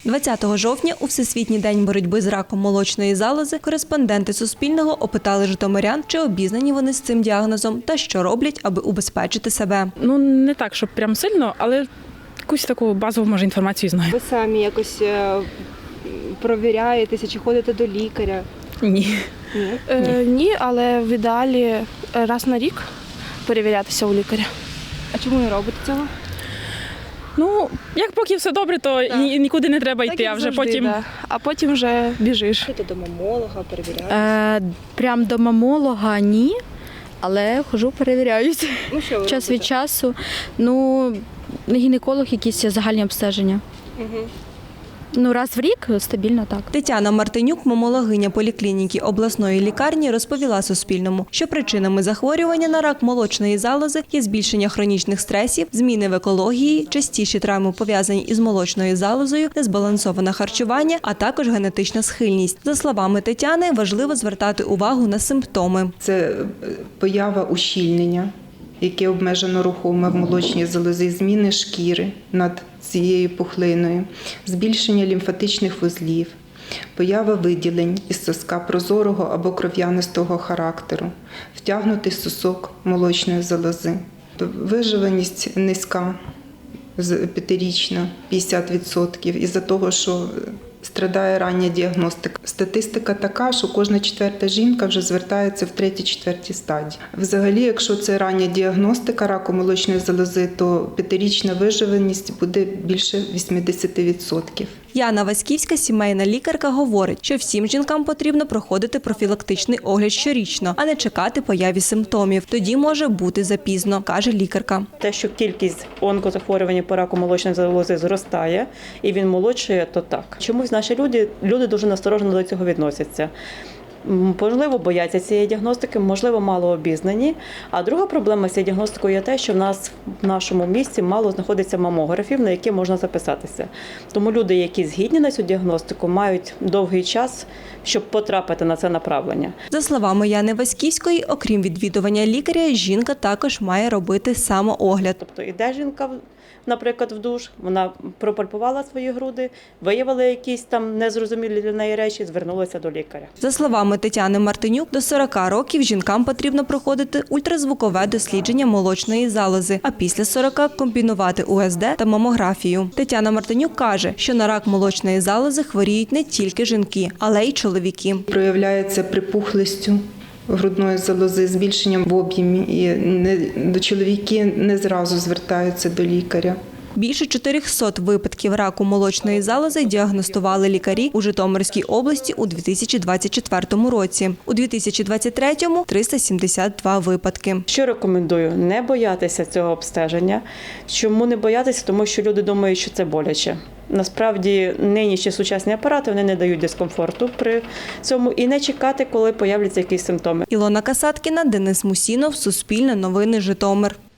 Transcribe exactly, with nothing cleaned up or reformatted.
двадцятого жовтня у Всесвітній день боротьби з раком молочної залози кореспонденти Суспільного опитали житомирян, чи обізнані вони з цим діагнозом та що роблять, аби убезпечити себе. Ну, не так, щоб прям сильно, але якусь таку базову, може, інформацію знаю. Ви самі якось е, провіряєтеся чи ходите до лікаря? Ні. Ні. Е, ні, але в ідеалі раз на рік перевірятися у лікаря. А чому не робите цього? Ну, як поки все добре, то і нікуди не треба йти, Так, як а вже завжди, потім... да. А потім вже біжиш. Ходите до мамолога, перевіряєте? Е, прям до мамолога ні, але хожу, перевіряюсь. Ну, що ви Час робите? від часу. Ну, гінеколог, якісь загальні обстеження. Угу. Ну, раз в рік стабільно так. Тетяна Мартинюк, мамологиня поліклініки обласної лікарні, розповіла Суспільному, що причинами захворювання на рак молочної залози є збільшення хронічних стресів, зміни в екології, частіші травми пов'язані із молочною залозою, незбалансоване харчування, а також генетична схильність. За словами Тетяни, важливо звертати увагу на симптоми. Це поява ущільнення, яке обмежено рухоме в молочній залозі, зміни шкіри над цією пухлиною, збільшення лімфатичних вузлів, поява виділень із соска прозорого або кров'янистого характеру, втягнутий сосок молочної залози. Виживаність низька, п'ятирічна, п'ятдесят відсотків, із-за того, що страдає рання діагностика. Статистика така, що кожна четверта жінка вже звертається в третій-четвертій стадії. Взагалі, якщо це рання діагностика раку молочної залози, то п'ятирічна виживаність буде більше вісімдесят відсотків. Яна Васьківська, сімейна лікарка, говорить, що всім жінкам потрібно проходити профілактичний огляд щорічно, а не чекати появі симптомів. Тоді може бути запізно, каже лікарка. Те, що кількість онкозахворювань по раку молочної залози зростає і він молодшає, то так. Чомусь наші люди, люди дуже насторожено до цього відносяться. Можливо, бояться цієї діагностики, можливо, мало обізнані. А друга проблема з цією діагностикою є те, що в нас в нашому місті мало знаходиться мамографів, на які можна записатися. Тому люди, які згідні на цю діагностику, мають довгий час, щоб потрапити на це направлення. За словами Яни Васьківської, окрім відвідування лікаря, жінка також має робити самоогляд. Тобто іде жінка, наприклад, в душ, вона пропальпувала свої груди, виявила якісь там незрозумілі для неї речі, звернулася до лікаря. За словами Тетяни Мартинюк, до сорока років жінкам потрібно проходити ультразвукове дослідження молочної залози, а після сорока – комбінувати у ес де та мамографію. Тетяна Мартинюк каже, що на рак молочної залози хворіють не тільки жінки, але й чоловіки. Проявляється припухлістю грудної залози, збільшенням в об'ємі, і не, чоловіки не зразу звертаються до лікаря. Більше чотирьохсот випадків раку молочної залози діагностували лікарі у Житомирській області у дві тисячі двадцять четвертому році. У дві тисячі двадцять третьому – триста сімдесят два випадки. Що рекомендую? Не боятися цього обстеження. Чому не боятися? Тому що люди думають, що це боляче. Насправді, нинішні сучасні апарати вони не дають дискомфорту при цьому і не чекати, коли появляться якісь симптоми. Ілона Касаткіна, Денис Мусінов, Суспільне новини, Житомир.